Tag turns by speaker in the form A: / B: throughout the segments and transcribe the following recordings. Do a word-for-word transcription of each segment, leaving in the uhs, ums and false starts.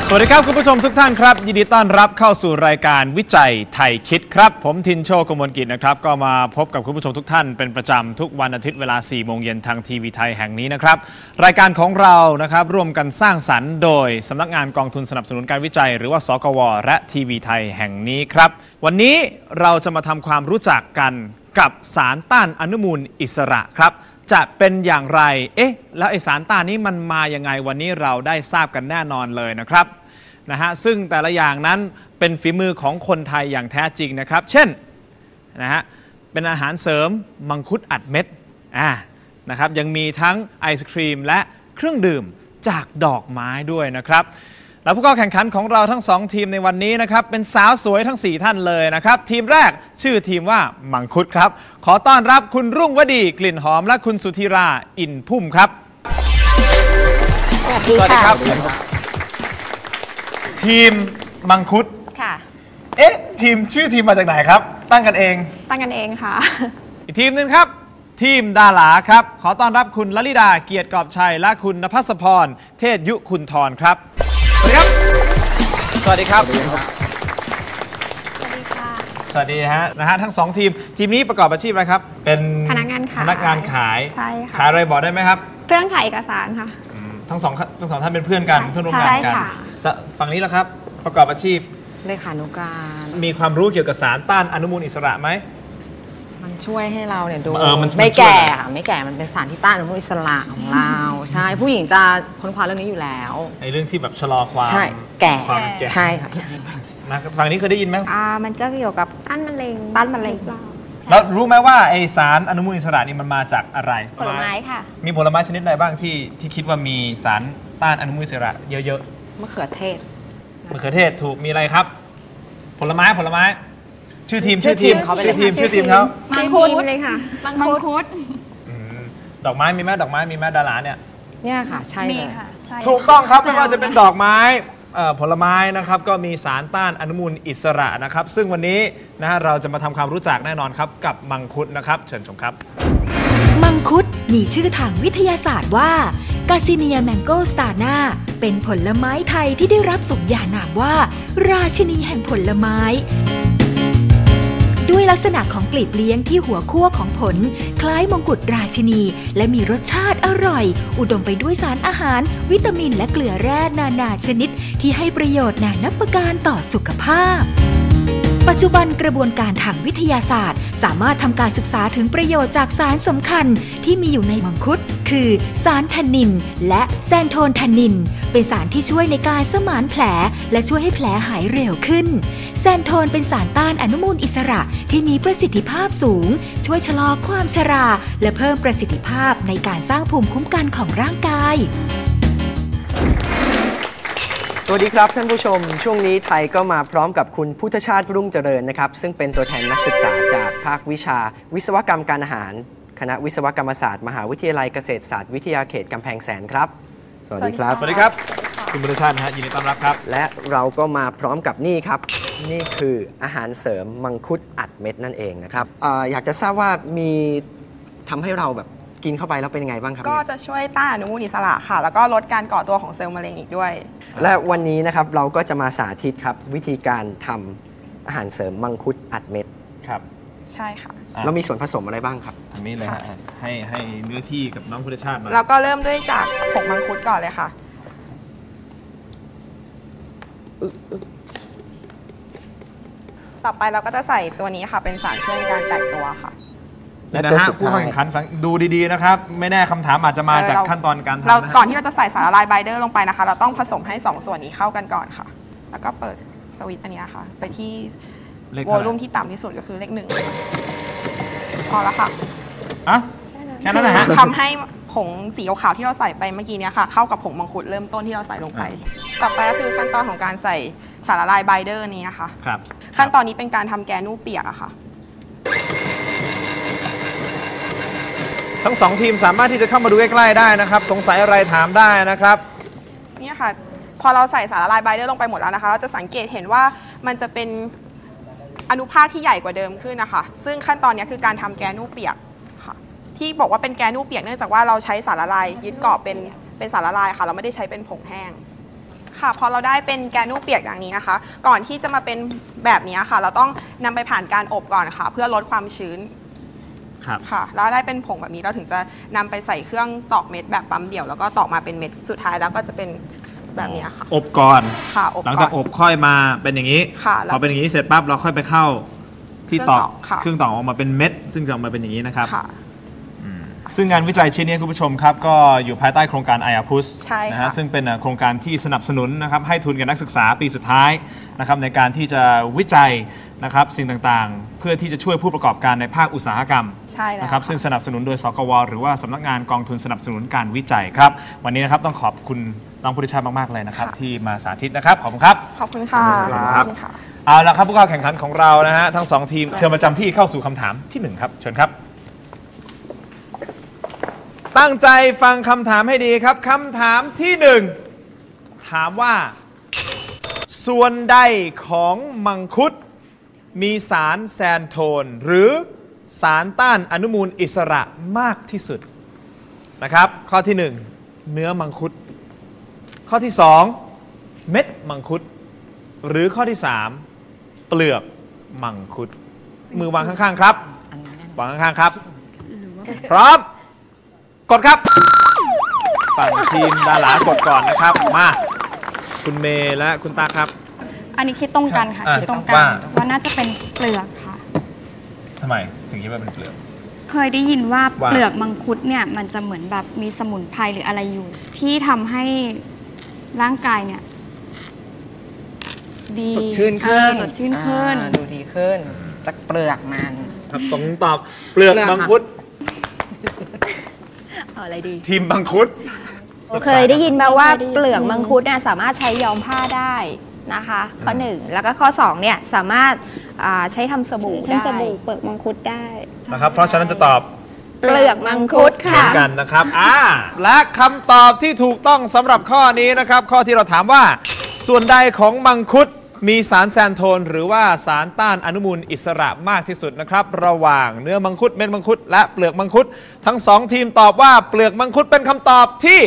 A: สวัสดีครับคุณผู้ชมทุกท่านครับยินดีต้อนรับเข้าสู่รายการวิจัยไทยคิดครับผมทินโชกมลกิจนะครับก็มาพบกับคุณผู้ชมทุกท่านเป็นประจำทุกวันอาทิตย์เวลาสี่โมงเย็นทางทีวีไทยแห่งนี้นะครับรายการของเรานะครับร่วมกันสร้างสรรค์โดยสำนักงานกองทุนสนับสนุนการวิจัยหรือว่าสกวและทีวีไทยแห่งนี้ครับวันนี้เราจะมาทำความรู้จักกันกับสารต้านอนุมูลอิสระครับจะเป็นอย่างไรเอ๊ะแล้วไอสารต้านนี้มันมายังไงวันนี้เราได้ทราบกันแน่นอนเลยนะครับนะฮะซึ่งแต่ละอย่างนั้นเป็นฝีมือของคนไทยอย่างแท้จริงนะครับเช่นนะฮะเป็นอาหารเสริมมังคุดอัดเม็ดอ่านะครับยังมีทั้งไอศครีมและเครื่องดื่มจากดอกไม้ด้วยนะครับแล้วผู้เข้าแข่งขันของเราทั้งสองทีมในวันนี้นะครับเป็นสาวสวยทั้งสี่ท่านเลยนะครับทีมแรกชื่อทีมว่ามังคุดครับขอต้อนรับคุณรุ่งวดีกลิ่นหอมและคุณสุธีราอินพุ่มครับ
B: สวัสดีค่ะ
A: ทีมมังคุด
B: ค่ะ
A: เอ๊ะทีมชื่อทีมมาจากไหนครับตั้งกันเอง
B: ตั้งกันเองค่ะ
A: อีกทีมหนึ่งครับทีมดาราครับขอต้อนรับคุณลลิดาเกียรติกอบชัยและคุณณภัสพรเทศยุคุณธรครับสวัสดีครับสวัสดีครับสวัสดี
B: ค่ะ
A: สวัสดีฮะนะฮะทั้งสองทีมทีมนี้ประกอบอาชีพอะไรครับเป็น
B: พนักงานขาย
A: พนักงานขาย
B: ใช่ค่ะ
A: ขายอะไรบอกได้ไหมครับ
B: เครื่องขายเอกสารค่ะ
A: ทั้งสองทั้งสองท่านเป็นเพื่อนกันเพื่อนร่วมงานกันฝั่งนี้แล้วครับประกอบอาชีพ
C: เลขานุการ
A: มีความรู้เกี่ยวกับสารต้านอนุมูลอิสระไหม
C: มันช่วยให้เราเนี่ยดู
A: เออมัน
C: ไม่แก่ค่ะไม่แก่มันเป็นสารที่ต้านอนุมูลอิสระของเราใช่ผู้หญิงจะค้นคว้าเรื่องนี้อยู่แล้ว
A: ในเรื่องที่แบบชะลอความ
C: ใช่แก่
A: ความแก่
C: ใช่ค่ะ
A: นะฝั่งนี้เคยได้ยินไหม
B: อ่ามันก็เกี่ยวกับต้านมะเร็งต้านมะเร็ง
A: แล้วรู้ไหมว่าไอสารอนุมูลอิสระนี่มันมาจากอะไร
B: ผลไม้ค่ะ
A: มีผลไม้ชนิดใดบ้างที่ที่คิดว่ามีสารต้านอนุมูลอิสระเยอะ
C: ๆมะเขือเทศ
A: มะเขือเทศถูกมีอะไรครับผลไม้ผลไม้ชื่อทีมชื่อทีมชื่อทีมชื่อทีมเขา
B: มังคุดเลยค่ะ
C: มังคุด
A: ดอกไม้มีไหมดอกไม้มีไหมดาราเนี่ย
C: เนี่ยค่ะใช่เลย
A: ถูกต้องครับไม่ว่าจะเป็นดอกไม้ผลไม้นะครับก็มีสารต้านอนุมูลอิสระนะครับซึ่งวันนี้นะฮะเราจะมาทำความรู้จักแน่นอนครับกับมังคุดนะครับเชิญชมครับ
D: มังคุดมีชื่อทางวิทยาศาสตร์ว่ากาซิเนียแมงโกสตานาเป็นผลไม้ไทยที่ได้รับสมญานามว่าราชินีแห่งผลไม้ด้วยลักษณะของกลีบเลี้ยงที่หัวคั่วของผลคล้ายมงกุฎราชินีและมีรสชาติอร่อยอุดมไปด้วยสารอาหารวิตามินและเกลือแร่นานาชนิดที่ให้ประโยชน์นานับประการต่อสุขภาพปัจจุบันกระบวนการทางวิทยาศาสตร์สามารถทำการศึกษาถึงประโยชน์จากสารสำคัญที่มีอยู่ในมังคุดคือสารแทนนินและแซนโทนแทนนินเป็นสารที่ช่วยในการสมานแผลและช่วยให้แผลหายเร็วขึ้นแซนโทนเป็นสารต้านอนุมูลอิสระที่มีประสิทธิภาพสูงช่วยชะลอความชราและเพิ่มประสิทธิภาพในการสร้างภูมิคุ้มกันของร่างกาย
E: สวัสดีครับท่านผู้ชมช่วงนี้ไทยก็มาพร้อมกับคุณพุทธชาติรุ่งเจริญนะครับซึ่งเป็นตัวแทนนักศึกษาจากภาควิชาวิศวกรรมการอาหารคณะวิศวกรรมศาสตร์มหาวิทยาลัยเกษตรศาสตร์วิทยาเขตกำแพงแสนครับสวัสดีครับ
A: สวัสดีครับคุณพุทธชาตินะฮะยินดีต้อนรับครับ
E: และเราก็มาพร้อมกับนี่ครับนี่คืออาหารเสริมมังคุดอัดเม็ดนั่นเองนะครับ อ, อยากจะทราบว่ามีทำให้เราแบบกินเข้าไปแล้วเป็นยังไงบ้างครับ
F: ก็จะช่วยต้านอนุมูลอิสระค่ะแล้วก็ลดการก่อตัวของเซลล์มะเร็งอีกด้วย
E: และวันนี้นะครับเราก็จะมาสาธิตครับวิธีการทำอาหารเสริมมังคุดอัดเม็ด
A: ครับ
F: ใช่ค่ะ
E: เรามีส่วนผสมอะไรบ้างครับ
A: ทางนี้เลยฮะให้ให้เนื้อที่กับน้องพุทธชาติมา
F: เราก็เริ่มด้วยจากผงมังคุดก่อนเลยค่ะต่อไปเราก็จะใส่ตัวนี้ค่ะเป็นสารช่วยในการแตกตัวค่ะ
A: และนะฮะผู้แข่งขันดูดีๆนะครับไม่แน่คำถามอาจจะมาจากขั้นตอนการทำ
F: เราก่อนที่เราจะใส่สารละลายไบเดอร์ลงไปนะคะเราต้องผสมให้สองส่วนนี้เข้ากันก่อนค่ะแล้วก็เปิดสวิตช์อันนี้ค่ะไปที่โวลูมที่ต่ำที่สุดก็คือเลขหนึ่งพอแล้วค่ะ
A: อ่ะแค่นั้นนะฮะ
F: ทำให้ผงสีขาวที่เราใส่ไปเมื่อกี้นี้ค่ะเข้ากับผงมังคุดเริ่มต้นที่เราใส่ลงไปต่อไปก็คือขั้นตอนของการใส่สารละลายไบเดอร์นี้นะคะ
A: ครับ
F: ขั้นตอนนี้เป็นการทำแกนูเปียกอะค่ะ
A: ทั้งสองทีมสามารถที่จะเข้ามาดูใกล้ๆได้นะครับสงสัยอะไรถามได้นะครับ
F: นี่ค่ะพอเราใส่สารละลายไบเดอร์ลงไปหมดแล้วนะคะเราจะสังเกตเห็นว่ามันจะเป็นอนุภาคที่ใหญ่กว่าเดิมขึ้นนะคะซึ่งขั้นตอนนี้คือการทำแกนูเปียกค่ะที่บอกว่าเป็นแกนูเปียกเนื่องจากว่าเราใช้สารละลายยึดเกาะเป็นเป็นสารละลายค่ะเราไม่ได้ใช้เป็นผงแห้งค่ะพอเราได้เป็นแกนูเปียกอย่างนี้นะคะ ก่อนที่จะมาเป็นแบบนี้ค่ะ เราต้องนำไปผ่านการอบก่อนค่ะ เพื่อลดความชื้น
A: ครับ
F: ค่ะแล้วได้เป็นผงแบบนี้เราถึงจะนำไปใส่เครื่องตอกเม็ดแบบปั๊มเดี่ยวแล้วก็ตอกมาเป็นเม็ดสุดท้ายแล้วก็จะเป็นแบบนี้ค่ะ
A: อบก่อน
F: ค่ะอบ
A: หลังจาก
F: ก่
A: อน บค่อยมาเป็นอย่างนี้
F: ค่ะแล้ว
A: พอเป็นอย่างนี้เสร็จปั๊บเราค่อยไปเข้าที่ตอก
F: เครื่องตอกค่ะ
A: เครื่องตอกออกมาเป็นเม็ด ซึ่งจะออกมาเป็นอย่างนี้นะครับ
F: ค่ะ
A: ซึ่งงานวิจัยชิ้นนี้คุณผู้ชมครับก็อยู่ภายใต้โครงการ ไอ อาร์ พี ยู เอส
F: ใช่ค่ะ
A: นะฮะซึ่งเป็นโครงการที่สนับสนุนนะครับให้ทุนกับนักศึกษาปีสุดท้ายนะครับในการที่จะวิจัยนะครับสิ่งต่างๆ เพื่อที่จะช่วยผู้ประกอบการในภาคอุตสาหกรรม
F: ใช่แล้ว
A: นะครับซึ่งสนับสนุนโดยสกวหรือว่าสำนักงานกองทุนสนับสนุนการวิจัยครับวันนี้นะครับต้องขอบคุณน้องพุทธิชาติมากๆเลยนะครับที่มาสาธิตนะครับขอบคุณครับ
F: ขอบคุณค่ะ
A: ครับ
F: ขอบคุณค่ะ
A: เอาละครับผู้เข้าแข่งขันของเรานะฮะทั้งสองทีมเชิญประจำที่เข้าสู่คำถามที่หนึ่งครับเชิญครับตั้งใจฟังคำถามให้ดีครับคำถามที่หนึ่งถามว่า ส่วนใดของมังคุดมีสารแซนโทนหรือสารต้านอนุมูลอิสระมากที่สุดนะครับข้อที่หนึ่งเนื้อมังคุดข้อที่สองเม็ดมังคุดหรือข้อที่สามเปลือกมังคุดมือวางข้างๆครับวางข้างๆครับพร้อมกดครับฝั่งทีมดารากดก่อนนะครับมาคุณเมย์และคุณตาครับ
B: อันนี้คิดตรงกันค่ะ
A: อ่ะ
B: คิดตรงกั
A: ว่า
B: นว่าน่าจะเป็นเปลือกค่ะ
A: ทำไมถึงคิดว่าเป็นเปลือก
B: เคยได้ยินว่า
A: ว่า
B: เปลือกมังคุดเนี่ยมันจะเหมือนแบบมีสมุนไพรหรืออะไรอยู่ ที่ทำให้ร่างกายเนี่ยดี
C: สดชื่นขึ้น
B: เออสดชื่นขึ้น
C: อ่าดูดีขึ้นจากเปลือกมัน
A: ครับตรงตอบเปลือก
C: เปลือก
A: มังคุด
B: เอาอะไรดี
A: ทีมมังคุด
G: เคยได้ยินมาว่า
B: เคยได้ยิน
G: เปลือกมังคุดเนี่ยสามารถใช้ย้อมผ้าได้นะคะ ข้อหนึ่งแล้วก็ข้อสองเนี่ยสามารถอ่าใช้ทำสบู่ได้
B: ทำสบู่เปลือกมังคุดได้
A: นะครับเพราะฉะนั้นจะตอบ
G: เปลือกมังคุด
A: เหมื
G: ค่ะ
A: อนกันนะครับอ่าและคำตอบที่ถูกต้องสำหรับข้อนี้นะครับข้อที่เราถามว่า ส่วนใดของมังคุดมีสารแซนโทนหรือว่าสารต้านอนุมูลอิสระมากที่สุดนะครับระหว่างเนื้อมังคุดเม็ดมังคุดและเปลือกมังคุดทั้งสองทีมตอบว่าเปลือกมังคุดเป็นคำตอบที่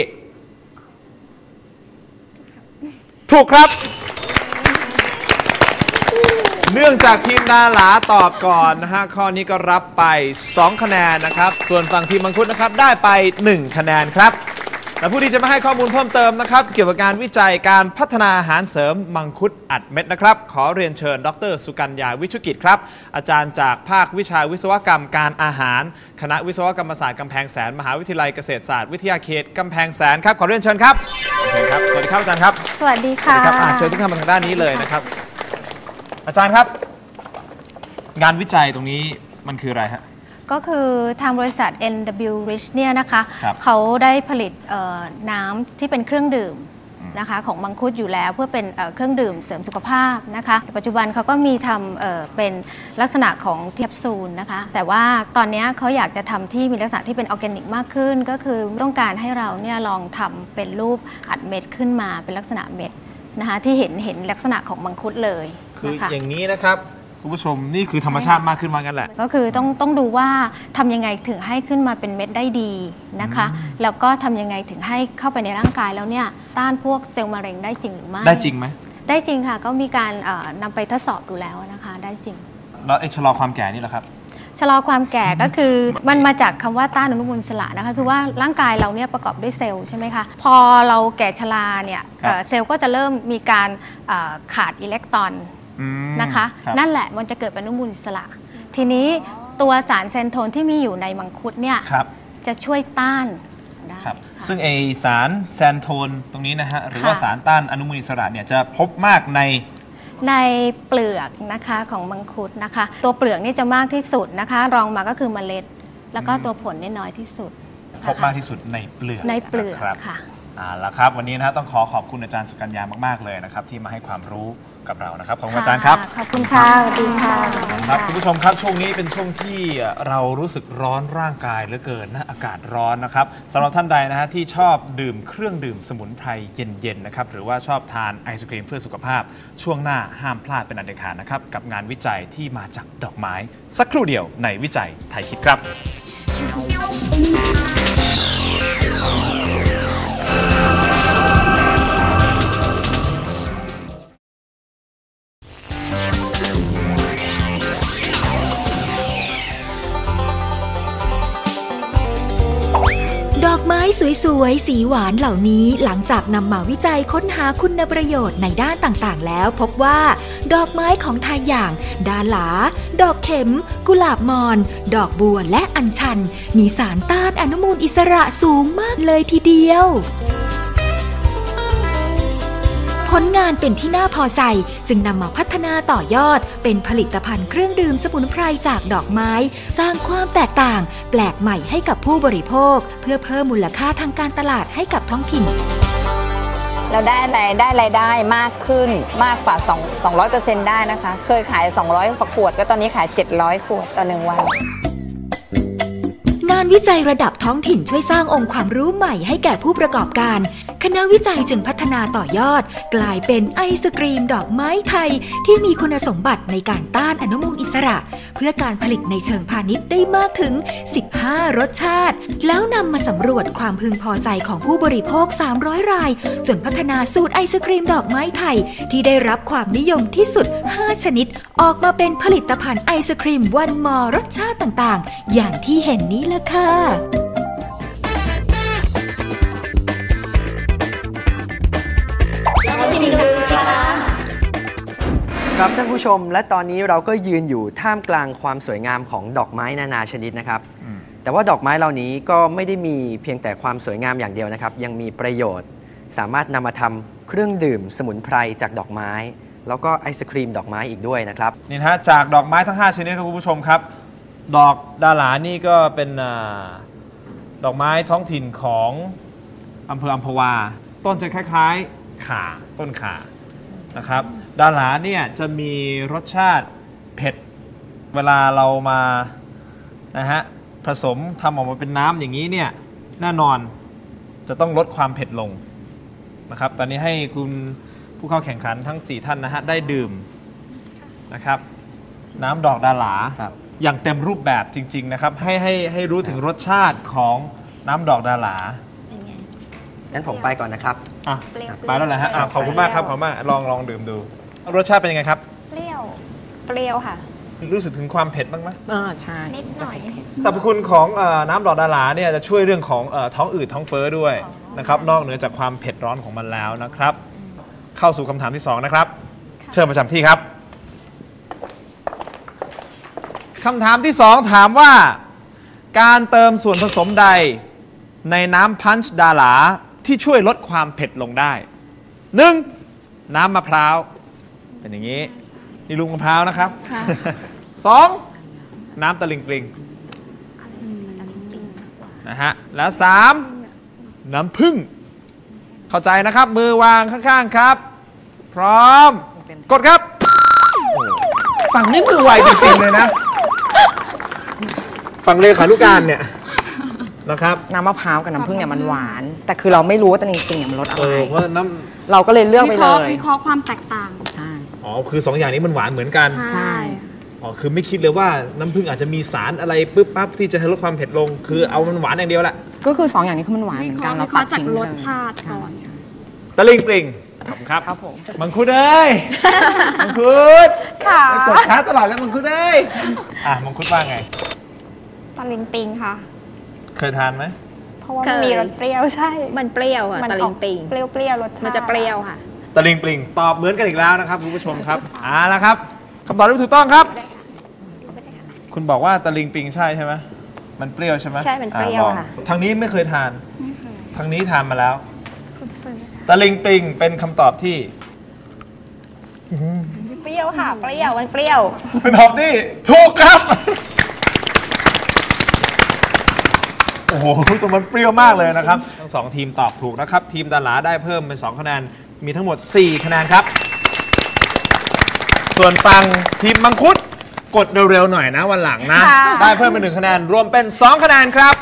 A: ถูกครับ เนื่องจากทีมดาหลาตอบก่อนนะฮะข้อนี้ก็รับไปสองคะแนนนะครับส่วนฝั่งทีมมังคุดนะครับได้ไปหนึ่งคะแนนครับและผู้ที่จะมาให้ข้อมูลเพิ่มเติมนะครับเกี่ยวกับการวิจัยการพัฒนาอาหารเสริมมังคุดอัดเม็ดนะครับขอเรียนเชิญดรสุกัญญาวิชุกิจครับอาจารย์จากภาควิชาวิศวกรรมการอาหารคณะวิศวกรรมศาสตร์กำแพงแสนมหาวิทยาลัยเกษตรศาสตร์วิทยาเขตกำแพงแสนครับขอเรียนเชิญครับเชิญครับสวัสดีครับอาจารย์ครับ
G: สวัสดี
A: สวัส
G: ค่ะ
A: ดีครับอ่าเชิญทุกท่านมาทางด้านนี้เลยนะครับอาจารย์ครับงานวิจัยตรงนี้มันคืออะไรฮะ
G: ก็คือทางบริษัท เอ็น ดับเบิลยู Rich เนี่ยนะคะ
A: ครับ
G: เขาได้ผลิตเอ่อน้ำที่เป็นเครื่องดื่มนะคะของมังคุดอยู่แล้วเพื่อเป็นเอ่อเครื่องดื่มเสริมสุขภาพนะคะปัจจุบันเขาก็มีทำเอ่อเป็นลักษณะของแคปซูลนะคะแต่ว่าตอนนี้เขาอยากจะทำที่มีลักษณะที่เป็นออร์แกนิกมากขึ้น ก็คือต้องการให้เราเนี่ยลองทำเป็นรูปอัดเม็ดขึ้นมาเป็นลักษณะเม็ดนะคะที่เห็นเห็นลักษณะของมังคุดเลย
A: คือ
G: นะคะ
A: อย่างนี้นะครับคุณผู้ชมนี่คือธรรมชาติมากขึ้นมากันแหละ
G: ก็คือต้องต้องดูว่าทำยังไงถึงให้ขึ้นมาเป็นเม็ดได้ดีนะคะ แล้วก็ทำยังไงถึงให้เข้าไปในร่างกายแล้วเนี่ยต้านพวกเซลล์มะเร็งได้จริงหรือไม่
A: ได้จริงไหม
G: ได้จริงค่ะก็มีการเอ่อนำไปทดสอบดูแล้วนะคะได้จริง
A: แล้วไอ้ชะลอความแก่นี่แหละครับ
G: ชะลอความแก่ก็คือมันมาจากคำว่าต้านอนุมูลอิสระนะคะคือว่าร่างกายเราเนี่ยประกอบด้วยเซลล์ใช่ไหมคะพอเราแก่ชราเนี่ย
A: ครับ
G: เอ่อเซลล์ก็จะเริ่มมีการเอ่อขาดอิเล็กตรอน
A: อืม
G: นะคะ
A: รับ
G: นั่นแหละมันจะเกิดเป็นอนุมูลอิสระ ทีนี้ตัวสารเซนโทนที่มีอยู่ในมังคุดเนี่ย
A: ครับ
G: จะช่วยต้านได้
A: ครับ
G: ค่ะ
A: ซึ่งไอสารแซนโทนตรงนี้นะฮะหรือ
G: ค่ะ
A: ว่าสารต้านอนุมูลอิสระเนี่ยจะพบมากใน
G: ในเปลือกนะคะของมังคุดนะคะ ตัวเปลือกนี่จะมากที่สุดนะคะ รองมาก็คือเมล็ด แล้วก็ตัวผลนี่น้อยที่สุด
A: พบมากที่สุดในเปลือก
G: ในเปลือก
A: ครับ
G: ค่ะ
A: เอาละครับวันนี้นะฮะต้องขอขอบคุณอาจารย์สุกัญญามากๆเลยนะครับที่มาให้ความรู้กับเรานะครับขอบคุณอาจารย์ครับ
G: ขอบคุณค่ะสวัสดีค่ะ
A: ครับคุณผู้ชมครับช่วงนี้เป็นช่วงที่เรารู้สึกร้อนร่างกายเหลือเกินนะอากาศร้อนนะครับสำหรับท่านใดนะฮะที่ชอบดื่มเครื่องดื่มสมุนไพรเย็นๆนะครับหรือว่าชอบทานไอศครีมเพื่อสุขภาพ ช่วงหน้าห้ามพลาดเป็นอันเด็ดขาดนะครับกับงานวิจัยที่มาจากดอกไม้ สักครู่เดียวในวิจัยไทยคิดครับ
D: ดอกไม้สวยๆสีหวานเหล่านี้หลังจากนำมาวิจัยค้นหาคุณประโยชน์ในด้านต่างๆแล้วพบว่าดอกไม้ของไทยอย่างดาหลาดอกเข็มกุหลาบมอนดอกบัวและอัญชันมีสารต้านอนุมูลอิสระสูงมากเลยทีเดียวผลงานเป็นที่น่าพอใจจึงนำมาพัฒนาต่อยอดเป็นผลิตภัณฑ์เครื่องดื่มสมุนไพรจากดอกไม้สร้างความแตกต่างแปลกใหม่ให้กับผู้บริโภคเพื่อเพิ่มมูลค่าทางการตลาดให้กับท้องถิ่น
H: เราได้รายได้รายได้มากขึ้นมากกว่าสองร้อยเปอร์เซ็นต์ได้นะคะเคยขายสองร้อยขวดก็ตอนนี้ขายเจ็ดร้อยขวดต่อหนึ่งวัน
D: งานวิจัยระดับท้องถิ่นช่วยสร้างองค์ความรู้ใหม่ให้แก่ผู้ประกอบการคณะวิจัยจึงพัฒนาต่อยอดกลายเป็นไอศกรีมดอกไม้ไทยที่มีคุณสมบัติในการต้านอนุมูลอิสระเพื่อการผลิตในเชิงพาณิชย์ได้มากถึงสิบห้ารสชาติแล้วนำมาสำรวจความพึงพอใจของผู้บริโภคสามร้อยรายจนพัฒนาสูตรไอศกรีมดอกไม้ไทยที่ได้รับความนิยมที่สุดห้าชนิดออกมาเป็นผลิตภัณฑ์ไอศกรีมวันมอรสชาติต่างๆอย่างที่เห็นนี้ละค่ะ
E: ครับท่านผู้ชมและตอนนี้เราก็ยืนอยู่ท่ามกลางความสวยงามของดอกไม้นานาชนิดนะครับแต่ว่าดอกไม้เหล่านี้ก็ไม่ได้มีเพียงแต่ความสวยงามอย่างเดียวนะครับยังมีประโยชน์สามารถนำมาทำเครื่องดื่มสมุนไพรจากดอกไม้แล้วก็ไอศครีมดอกไม้อีกด้วยนะครับ
A: นี่นะฮะจากดอกไม้ทั้งห้าชนิดครับคุณผู้ชมครับดอกดาหลานี่ก็เป็นดอกไม้ท้องถิ่นของอำเภออัมพวาต้นจะคล้ายๆข่าต้นข่านะครับดาหลาเนี่ยจะมีรสชาติเผ็ดเวลาเรามานะฮะผสมทำออกมาเป็นน้ำอย่างนี้เนี่ยแน่นอนจะต้องลดความเผ็ดลงนะครับตอนนี้ให้คุณผู้เข้าแข่งขันทั้งสี่ท่านนะฮะได้ดื่มนะครับน้ำดอกดาหลาอย่างเต็มรูปแบบจริงๆนะครับให้ให้ให้รู้ถึงรสชาติของน้ำดอกดาหลา
E: งั้นผมไปก่อนนะครับ
A: อ่ะไปแล้วแหละฮะขอบคุณมากครับขอบคุณมากลองลองดื่มดูรสชาติเป็นยังไงครับ
B: เปรี้ยวเปรี้ยวค่ะ
A: รู้สึกถึงความเผ็ดบ้างไหม
C: อ่าใช่
B: นิดหน่อย
A: สรรพคุณของน้ำดอกดาหลาเนี่ยจะช่วยเรื่องของท้องอืดท้องเฟ้อด้วยนะครับนอกเหนือจากความเผ็ดร้อนของมันแล้วนะครับเข้าสู่คำถามที่สองนะครับเชิญประจำที่ครับคำถามที่สองถามว่าการเติมส่วนผสมใดในน้ำพันช์ดาหลาที่ช่วยลดความเผ็ดลงได้หนึ่งน้ำมะพร้าวเป็นอย่างนี้นี่ลูกมะพร้าวนะครับสองน้ำตะลิงปลิงนะฮะแล้วสามน้ำผึ้งเข้าใจนะครับมือวางข้างๆครับพร้อมกดครับฝั่งนี้มือไวจริงๆเลยนะฝั่งเลขานุการเนี่ยนะครับ
C: น้ำมะพร้าวกับน้ำผึ้งเนี่ยมันหวานแต่คือเราไม่รู้ว่าตะลิงปลิงเนี่ยมันรสอะไร
A: เพราะน้
C: ำเราก็เลยเลือกไปเลย
B: วิเคราะห์ความแตกต่าง
C: ใช่
A: อ๋อคือสองอย่างนี้มันหวานเหมือนกัน
B: ใช่
A: อ๋อคือไม่คิดเลยว่าน้ำผึ้งอาจจะมีสารอะไรปึ๊บปั๊บที่จะให้ลดความเผ็ดลงคือเอามันหวานอย่างเดียวแหละ
C: ก็คือสองอย่างนี้คือมันหวานเหมือนกันเราตัดทิ้ง
B: รสชาติก่อน
A: ตะลิงปลิงขอบคุณครับ
C: ครับผม
A: มังคุดเอ้ยมังคุด
B: ค่ะ
A: กดช้าตลอดแล้วมังคุดเอ้ยอ่ะมังคุดว่าไง
B: ตะลิงปิงค่ะ
A: เคยทานไหม
B: เพราะว่ามันมีรสเปรี้ยวใช่
G: มันเปรี้ยวอ่ะตะลิงปิง
B: เปรี้ยวเปรี้ยวรสชาติ
G: มันจะเปรี้ยวค่ะ
A: ตะลิงปลิงตอบเหมือนกันอีกแล้วนะครับคุณผู้ชมครับอ่าแล้วครับคำตอบที่ถูกต้องครับคุณบอกว่าตะลิงปิงใช่ใช่ไหมมันเปรี้ยวใช่ไหม
B: ใช่มันเปรี้ยวค่ะ
A: ทางนี้ไม่เคยทานทางนี้ทานมาแล้วตะลิงปิงเป็นคำตอบที่
B: เปรี้ยวค่ะเปรี้ยวมันเปรี้ยว
A: เป็นคำตอบที่ถูกครับโอ้โหจนมันเปรี้ยวมากเลยนะครับทั้งสองทีมตอบถูกนะครับทีมดาหลาได้เพิ่มเป็นสองคะแนนมีทั้งหมดสี่คะแนนครับส่วนฝั่งทีมมังคุดกดเร็วๆหน่อยนะวันหลังนะได้เพิ่มเป็นหนึ่งคะแนนรวมเป็นสองคะแนนครับ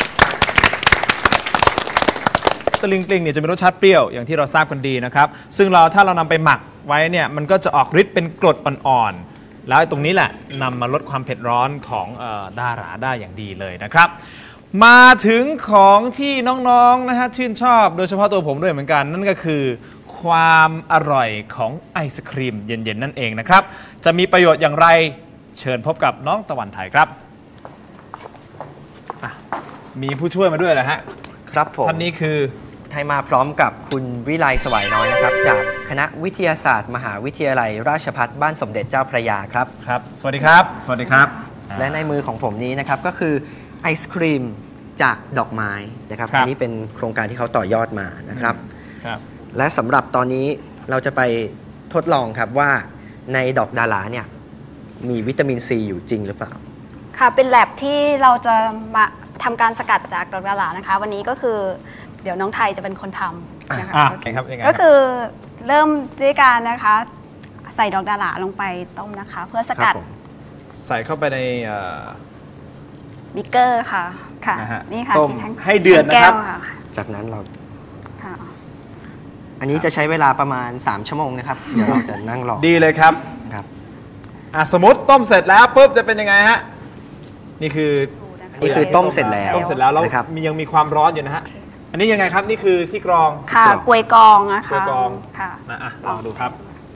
A: ตะลิงปลิงเนี่ยจะมีรสชาติเปรี้ยวอย่างที่เราทราบกันดีนะครับซึ่งเราถ้าเรานำไปหมักไว้เนี่ยมันก็จะออกฤทธิ์เป็นกรดอ่อนๆแล้วตรงนี้แหละนำมาลดความเผ็ดร้อนของดาหลาได้อย่างดีเลยนะครับมาถึงของที่น้องๆนะฮะชื่นชอบโดยเฉพาะตัวผมด้วยเหมือนกันนั่นก็คือความอร่อยของไอศครีมเย็นๆนั่นเองนะครับจะมีประโยชน์อย่างไรเชิญพบกับน้องตะวันไทยครับมีผู้ช่วยมาด้วยเหรอฮะ
E: ครับผม
A: ท่านนี้คือ
E: ไทยมาพร้อมกับคุณวิไลสวายน้อยนะครับจากคณะวิทยาศาสตร์ มหาวิทยาลัยราชภัฏบ้านสมเด็จเจ้าพระยาครับ
A: ครับสวัสดีครับสวัสดีครับ
E: และในมือของผมนี้นะครับก็คือไอศครีมจากดอกไม้นะครับ
A: ครับ
E: อันนี้เป็นโครงการที่เขาต่อยอดมานะครับ
A: ครับ
E: และสำหรับตอนนี้เราจะไปทดลองครับว่าในดอกดาราเนี่ยมีวิตามินซีอยู่จริงหรือเปล่า
I: ค่ะเป็นแลบที่เราจะมาทำการสกัดจากดอกดารานะคะ วันนี้ก็คือเดี๋ยวน้องไทยจะเป็นคนทำนะคะ
A: อ่ะ
I: โอเค
A: ครับยังไง
I: ก็คือเริ่มด้วยการนะคะใส่ดอกดาราลงไปต้มนะคะ เพื่อสกัด
E: ครับผม
A: ใส่เข้าไปในเอ่อ
I: บิกเกอร์ค่ะค่ะ
A: นะฮะ
I: นี่ค่ะ
A: ต้ม
I: ทั้ง
A: ให้เดือดนะครับ
I: ทั้งแก้วค่ะ
E: จากนั้นเรา
I: ค่ะ
E: อันนี้จะใช้เวลาประมาณ สาม ชั่วโมงนะครับ เดี๋ยวเราจะนั่งรอ
A: ดีเลยครับ
E: ครับ
A: อ่ะสมมติต้มเสร็จแล้วปุ๊บจะเป็นยังไงฮะนี่คือ
E: นี่คือต้มเสร็จแล้ว
A: ต้มเสร็จแล้วแล้ว
E: นะครับ
A: มียังมีความร้อนอยู่นะฮะอันนี้ยังไงครับนี่คือที่กรอง
I: ค่ะกลวยกองนะคะ
A: กลวยกอง
I: ค่ะ
A: นะอ่ะลองดูครับ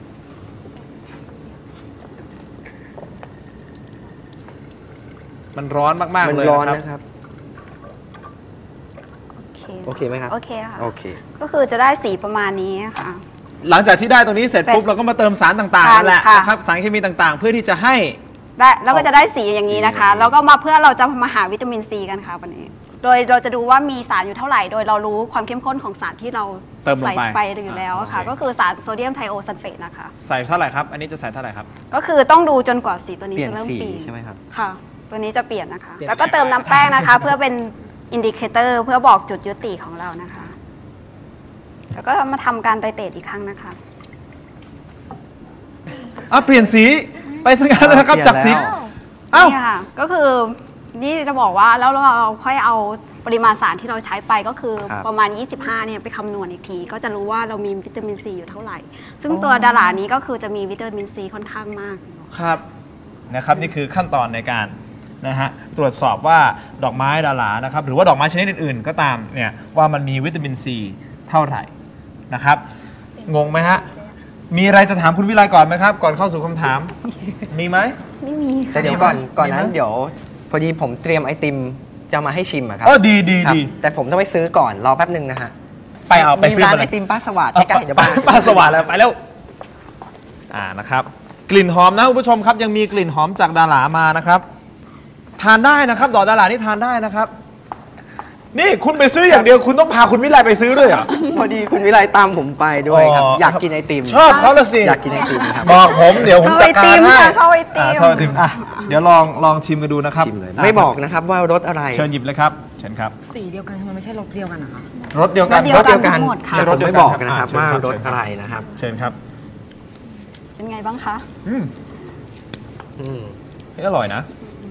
A: มันร้อนมาก
E: มั
A: ๆ
E: น
A: เลย
E: ร้อน
A: นะครับ
E: นะครับ
I: โอเค
E: โอเคไหมครับ
I: โอเคค่ะ
E: โอเค
I: ก็คือจะได้สีประมาณนี้ค่ะ
A: หลังจากที่ได้ตรงนี้เสร็จปุ๊บเราก็มาเติมสารต่างๆ
I: ค่ะ
A: นั่นแหละ
I: ค่ะ
A: นะครับสารเคมีต่างๆ เพื่อที่จะให้
I: ได้แล้วก็จะได้สีอย่างนี้นะคะ
E: สี
I: แล้วก็มาเพื่อเราจะมาหาวิตามินซีกันค่ะวันนี้ โดยเราจะดูว่ามีสารอยู่เท่าไหร่ โดยเรารู้ความเข้มข้นของสารที่เรา
A: เติมลงไป
I: ใส่ไปอยู่แล้วค่ะ
A: โอเค
I: ก็คือสารโซเดียมไทโอซัลเฟตนะคะ
A: ใส่เท่าไหร่ครับอันนี้จะใส่เท่าไหร่ครับ
I: ก็คือต้องดูจนกว่าสีตัวนี้
E: เปลี่ยน
I: จะเริ่ม
E: สี
I: เปลี่ยน
E: ใช่ไหมครับ
I: ค่ะ ตัวนี้จะเปลี่ยนนะคะ
A: เปลี่ยน
I: แล้วก็เติมน้ำแป้งนะคะ เพื่อเป็นอินดิเคเตอร์เพื่อบอกจุดยุติของเรานะคะ แล้วก็มาทำการไตเตรตอีกครั้งนะคะ
A: อ่ะเปลี่ยนสีไปสักการเลยนะครับ
E: เปลี่ยน
A: จากสี
E: แล้ว
A: เอ้า
I: นี่ค่ะก็คือนี่จะบอกว่าแล้วเราค่อยเอาปริมาณสารที่เราใช้ไปก็คือ
E: ครับ
I: ประมาณ ยี่สิบห้าเนี่ยไปคำนวณอีกที ก็จะรู้ว่าเรามีวิตามินซีอยู่เท่าไหร่ ซึ่งตัวดารานี้ก็คือจะมีวิตามินซีค่อนข้างมาก
A: ครับนะครับนี่คือขั้นตอนในการนะฮะตรวจสอบว่าดอกไม้ดารานะครับหรือว่าดอกไม้ชนิดอื่นๆ ก็ตามเนี่ยว่ามันมีวิตามินซีเท่าไหร่นะครับงงไหมฮะมีอะไรจะถามคุณวิไลก่อนไหมครับ ก่อนเข้าสู่คำถาม มีไหม
I: ไม่มี
E: แต่เดี๋ยวก่อน
A: มีไหม
E: ก่อนนั้น
A: มีไหม
E: เดี๋ยว พอดีผมเตรียมไอติมจะมาให้ชิมอะครับ
A: เออดีดี
E: ครับ
A: ดี
E: แต่ผมต้องไปซื้อก่อนรอแป๊บหนึ่งนะฮะ
A: ไปเอาไป
E: มี
A: ซื้อ
E: ร้าน
A: มาเล
E: ไอย ติมป้าสวัสดิ์ใกล้ๆเดี๋ยวบ้าน
A: ป้าสว่างแล้วไปแล้วอ่านะครับกลิ่นหอมนะคุณผู้ชมครับยังมีกลิ่นหอมจากดารามานะครับ ทานได้นะครับดอกดารานี่ทานได้นะครับ นี่คุณไปซื้ออย่างเดียวคุณต้องพาคุณวิไลไปซื้อด้วยเหรอ
E: พอดีคุณวิไลตามผมไปด้วยครับ
A: อ๋อ
E: อยากกินไอติม
A: ชอบเขาละสิ
E: อยากกินไอติมครับ
A: บอกผมเดี๋ยวผมจัดการให้
I: ชอบไอติม
A: อ่าชอบไอติมอ่ะเดี๋ยวลองลองชิมกันดูนะครับ
E: ชิมเลยไม่บอกนะครับว่ารสอะไร
A: เชิญหยิบเลยครับเชิญครับ
C: สีเดียวกันทำไมไม่ใช่รสเดียวกันนะคะ
A: รสเดียวกัน
I: รสเดียวกันทั้งหมดค่ะ
E: แต่ผมไม่บอกนะครับ
A: เชิญ
E: ว่า
A: ครับ
E: รสอะไรนะครับ
A: เชิญครับ
I: เป็นไงบ้างคะ
A: อืม
E: อืม
A: นี่อร่อยนะ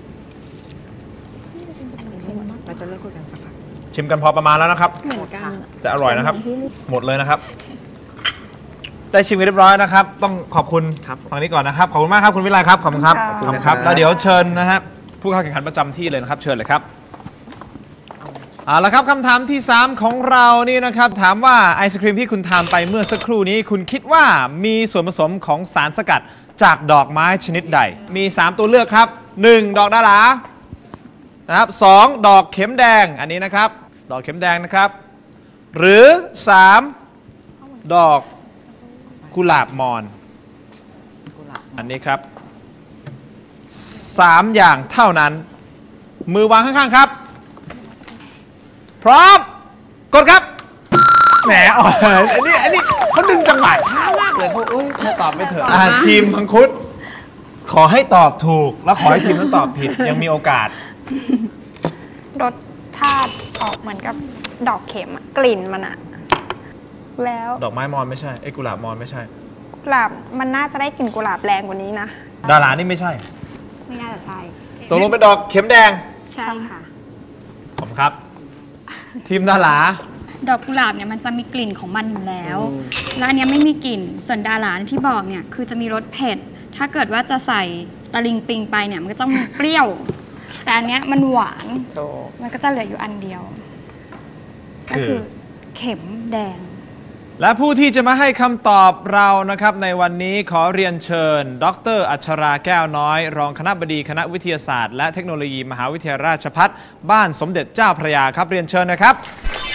C: เราจะเลิกคุยกันสักพัก
A: ชิมกันพอประมาณแล้วนะครับ
I: เหมือนกัน
A: แต่อร่อยนะครับ หมดเลยนะครับ ได้ชิมกันเรียบร้อยนะครับ ต้องขอบคุณ
E: ครับ
A: ฝั่งนี้ก่อนนะครับ ขอบคุณมากครับคุณวิไลครับ ขอบคุณครับ
I: ขอบคุณ
A: ขอบคุณ
E: นะ
A: ค
E: ครั
A: รับ บ แล้วเดี๋ยวเชิญนะครับผู้เข้าแข่งขันประจำที่เลยนะครับ เชิญเลยครับเอาละครับคำถามที่ สาม ของเรานี่นะครับ ถามว่าไอศครีมที่คุณทานไปเมื่อสักครู่นี้ คุณคิดว่ามีส่วนผสมของสารสกัดจากดอกไม้ชนิดใด มี สาม ตัวเลือกครับ หนึ่ง ดอกดารานะครับสอง ดอกเข็มแดงอันนี้นะครับ ดอกเข็มแดงนะครับ หรือ สาม ดอกกุหลาบมอน อันนี้ครับ สาม อย่างเท่านั้น มือวางข้างๆครับ พร้อม กดครับ แหมอ๋ออันนี้อันนี้เขาดึงจังหวะช้ามากเลยเขาเอ้ยเขาตอบไม่เถอะอ่าทีมมังคุด ขอให้ตอบถูก แล้วขอให้ทีมนั้นตอบผิด ยังมีโอกาส
B: รสชาติออกเหมือนกับดอกเข็มอะกลิ่นมันอะแล้ว
A: ดอกไม้มอนไม่ใช่ไอ้ยกุหลาบมอนไม่ใช่
B: กุหลาบมันน่าจะได้กลิ่นกุหลาบแรงกว่านี้นะ
A: ดารานี่ไม่ใช่
I: ไม่น่าจะใช่
A: ตกลงเป็นดอกเข็มแดง
I: ใช่ค่ะ
A: ผมครับ ทีมดารา
J: ดอกกุหลาบเนี่ยมันจะมีกลิ่นของมันอยู่แล้ว แล้วอันเนี้ยไม่มีกลิ่น ส่วนดาราที่บอกเนี่ยคือจะมีรสเผ็ด ถ้าเกิดว่าจะใส่ตะลิงปิงไปเนี่ยมันก็ต้องเปรี้ยว แต่อันเนี้ยมันหวาน มันก็จะเหลืออยู่อันเดียว ก็คือเข็มแดง
A: และผู้ที่จะมาให้คำตอบเรานะครับในวันนี้ขอเรียนเชิญ ดรอัชราแก้วน้อย รองคณบดีคณะวิทยาศาสตร์และเทคโนโลยีมหาวิทยาลัยราชภัฏบ้านสมเด็จเจ้าพระยาครับเรียนเชิญนะครับ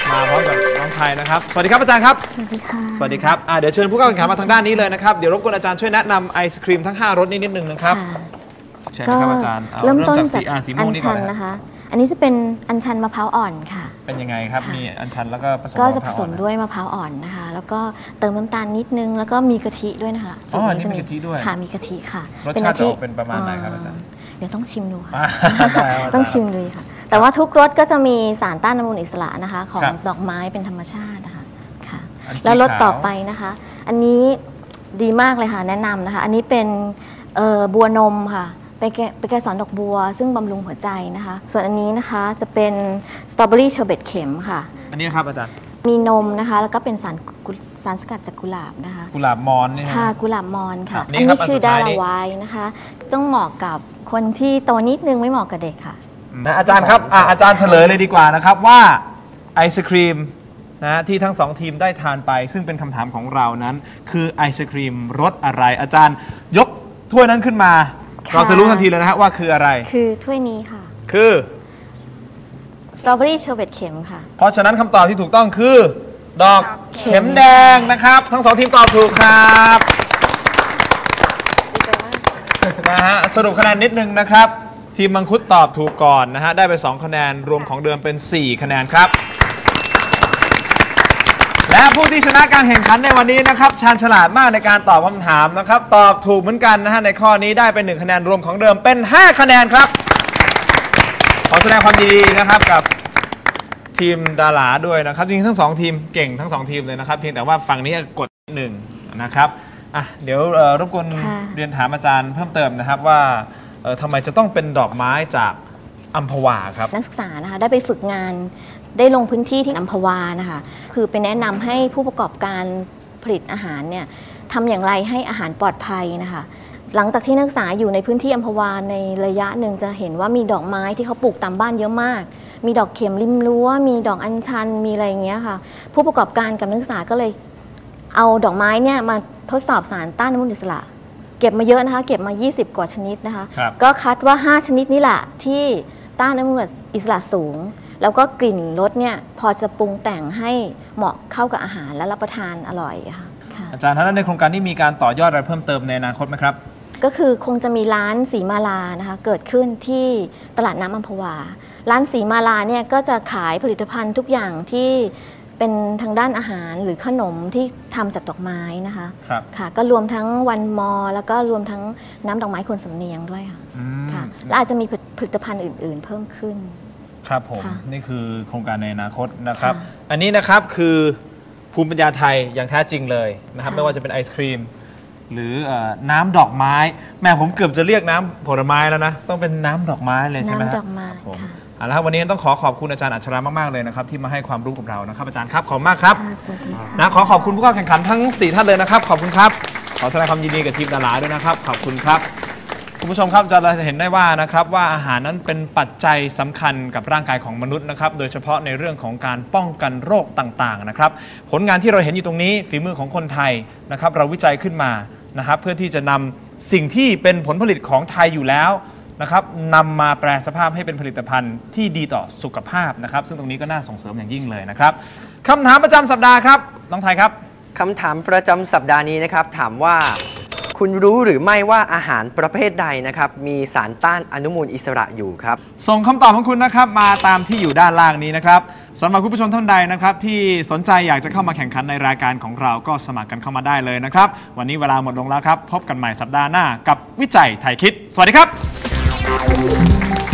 A: มาพร้อมกับน้องไทยนะครับสวัสดีครับอาจารย์ครับ
K: สวัสดีค่ะ
A: สวัสดีครับเดี๋ยวเชิญผู้เข้าแข่งขันมาทางด้านนี้เลยนะครับเดี๋ยวรบกวนอาจารย์ช่วยแนะนำไอศครีมทั้งห้ารสนี้นิดนึงนะครับเชิญนะครับอาจารย์
K: เริ่มต้น
A: จาก
K: จาก
A: สี
K: อั
A: ม่ว
K: ญ
A: งนี่ก่
K: ชั
A: อน
K: น
A: นะ
K: นะคะ อันนี้จะเป็นอัญชันมะพร้าวอ่อนค่ะ
A: เป็นยังไงครับมีอัญชันแล้วก็ผสม
K: ก็จะผ
A: มะพ
K: ส
A: ร้าว
K: ม
A: อ่อน
K: ด้วยมะพร้าวอ่อนนะคะ แล้วก็เติมน้ำตาลนิดนึงแล้วก็มีกะทิด้วยนะคะ
A: อ๋อ
K: สูตร
A: นี่มีกะทิด้วย
K: ค่ะมีกะทิค่ะ
A: รสชาติจะออกเป็นประมาณไหนครับอาจารย์
K: เดี๋ยวต้องชิมดูค่ะ
A: อ่าได้ครับอาจารย์
K: ต้องชิมดูค่ะ แต่ว่าทุกรสก็จะมีสารต้านอนุมูลอิสระนะคะ ของ
A: ครับ
K: ดอกไม้เป็นธรรมชาตินะคะค่ะ
A: อันสี
K: แล้วรส
A: ขาว
K: ต่อไปนะคะ อันนี้ดีมากเลยค่ะแนะนำนะคะ อันนี้เป็นเอ่อบัวนมค่ะเป็นแกเป็นเกสรดอกบัว ซึ่งบำรุงหัวใจนะคะ ส่วนอันนี้นะคะจะเป็นสตรอเบอรี่เชอร์เบตเข็มค่ะ
A: อันนี้ครับอาจารย์
K: มีนมนะคะ แล้วก็เป็นสารกุสารสกัดจากกุหลาบนะคะ
A: กุหลาบมอนนี่นะ
K: ค่ะกุหลาบมอน
A: ครั
K: ค่ะ
A: บนี่
K: อัน
A: ครับ
K: นี้
A: อัน
K: คื
A: สุ
K: อ
A: ด
K: ดา
A: ท้าย
K: รา
A: นี่
K: ไวน์นะคะ ต้องเหมาะกับคนที่โตนิดนึงไม่เหมาะกับเด็กค่ะ
A: นะอาจารย์ครับอ่ะอาจารย์เฉลยเลยดีกว่านะครับว่าไอศครีมนะที่ทั้งสองทีมได้ทานไป ซึ่งเป็นคำถามของเรานั้น คือไอศครีมรสอะไร อาจารย์ยกถ้วยนั้นขึ้นมา
K: ค่ะ
A: เราจะรู้ทันทีเลยนะฮะว่าคืออะไร
K: คือถ้วยนี้ค่ะ
A: คือ
K: สตรอเบอรี่เชอร์เบตเข็มค่ะ
A: เพราะฉะนั้นคำตอบที่ถูกต้องคือ ดอก
K: เข็
A: เข็
K: ม
A: มแดงนะครับ ทั้งสองทีมตอบถูกครับนะฮะสรุปคะแนนนิดนึงนะครับ ทีมมังคุดตอบถูกก่อนนะฮะได้ไปสองคะแนนรวมของเดิมเป็นสี่คะแนนครับ และผู้ที่ชนะการแข่งขันในวันนี้นะครับชาญฉลาดมากในการตอบคำถามนะครับตอบถูกเหมือนกันนะฮะในข้อนี้ได้เป็นหนึ่งคะแนนรวมของเดิมเป็นห้าคะแนนครับขอแสดงความยินดีนะครับกับทีมดาราด้วยนะครับจริงๆทั้งสองทีมเก่งทั้งสองทีมเลยนะครับเพียงแต่ว่าฝั่งนี้กดหนึ่งนะครับอ่ะเดี๋ยวเอ่อรบกวน
K: ค่ะ
A: เรียนถามอาจารย์เพิ่มเติมนะครับว่าเอ่อทำไมจะต้องเป็นดอกไม้จากอัมพวาครับ
K: นักศึกษานะคะได้ไปฝึกงานได้ลงพื้นที่ที่อัมพวานะคะคือไปแนะนำให้ผู้ประกอบการผลิตอาหารเนี่ยทำอย่างไรให้อาหารปลอดภัยนะคะหลังจากที่นักศึกษาอยู่ในพื้นที่อัมพวาในระยะหนึ่งจะเห็นว่ามีดอกไม้ที่เขาปลูกตามบ้านเยอะมากมีดอกเข็มริมรั้วมีดอกอัญชันมีอะไรอย่างเงี้ยค่ะผู้ประกอบการกับนักศึกษาก็เลยเอาดอกไม้เนี่ยมาทดสอบสารต้านอนุมูลอิสระเก็บมาเยอะนะคะเก็บมายี่สิบกว่าชนิดนะคะ
A: ครับ
K: ก็คัดว่าห้าชนิดนี้แหละที่ต้านอนุมูลอิสระสูง แล้วก็กลิ่นรสเนี่ยพอจะปรุงแต่งให้เหมาะเข้ากับอาหารและรับประทานอร่อยค่ะค่ะ
A: อาจารย์ท่านในโครงการนี้มีการต่อยอดอะไรเพิ่มเติมในอนาคตไหมครับ
K: ก็คือคงจะมีร้านสีมาลานะคะเกิดขึ้นที่ตลาดน้ำอัมพวา ร้านสีมาลาเนี่ยก็จะขายผลิตภัณฑ์ทุกอย่างที่เป็นทางด้านอาหารหรือขนมที่ทำจากดอกไม้นะคะ
A: ครับ
K: ค่ะก็รวมทั้งวันมอ แล้วก็รวมทั้งน้ำดอกไม้คนสำเนียงด้วยค่ะ
A: อืม
K: ค่ะและอาจจะมีผลิตภัณฑ์อื่น ๆ เพิ่มขึ้น
A: ครับผม
K: ค่ะ
A: นี่คือโครงการในอนาคตนะครับ
K: ค่ะ
A: อันนี้นะครับคือภูมิปัญญาไทยอย่างแท้จริงเลยนะครับ
K: ค่ะ
A: ไม่ว่าจะเป็นไอศครีม หรือเอ่อน้ำดอกไม้แม่ผมเกือบจะเรียกน้ำผลไม้แล้วนะ ต้องเป็นน้ำดอกไม้เลยใช่ไหมฮะ
K: น้ำดอกไม้
A: ครับผม
K: ค่ะ
A: เอาละครับวันนี้ต้องขอขอบคุณอาจารย์อัชรามากๆเลยนะครับที่มาให้ความรู้กับเรานะครับอาจารย์ครับขอบคุณมากครับ
K: ค่ะสวัสดีค่ะ
A: นะขอขอบคุณผู้เข้าแข่งขันทั้งสี่ท่านเลยนะครับขอบคุณครับขอแสดงความยินดีกับทีมดาราด้วยนะครับขอบคุณครับ คุณผู้ชมครับจะเห็นได้ว่านะครับว่าอาหารนั้นเป็นปัจจัยสำคัญกับร่างกายของมนุษย์นะครับโดยเฉพาะในเรื่องของการป้องกันโรคต่างๆนะครับผลงานที่เราเห็นอยู่ตรงนี้ฝีมือของคนไทยนะครับเราวิจัยขึ้นมานะครับเพื่อที่จะนำสิ่งที่เป็นผลผลิตของไทยอยู่แล้วนะครับนำมาแปลสภาพให้เป็นผลิตภัณฑ์ที่ดีต่อสุขภาพนะครับซึ่งตรงนี้ก็น่าส่งเสริมอย่างยิ่งเลยนะครับคำถามประจำสัปดาห์ครับน้องไทยครับ
E: คำถามประจำสัปดาห์นี้นะครับถามว่าคุณรู้หรือไม่ว่าอาหารประเภทใดนะครับมีสารต้านอนุมูลอิสระอยู่ครับ
A: ส่งคำตอบของคุณนะครับมาตามที่อยู่ด้านล่างนี้นะครับสำหรับคุณผู้ชมท่านใดนะครับที่สนใจอยากจะเข้ามาแข่งขันในรายการของเราก็สมัครกันเข้ามาได้เลยนะครับวันนี้เวลาหมดลงแล้วครับพบกันใหม่สัปดาห์หน้ากับวิจัยไทยคิดสวัสดีครับ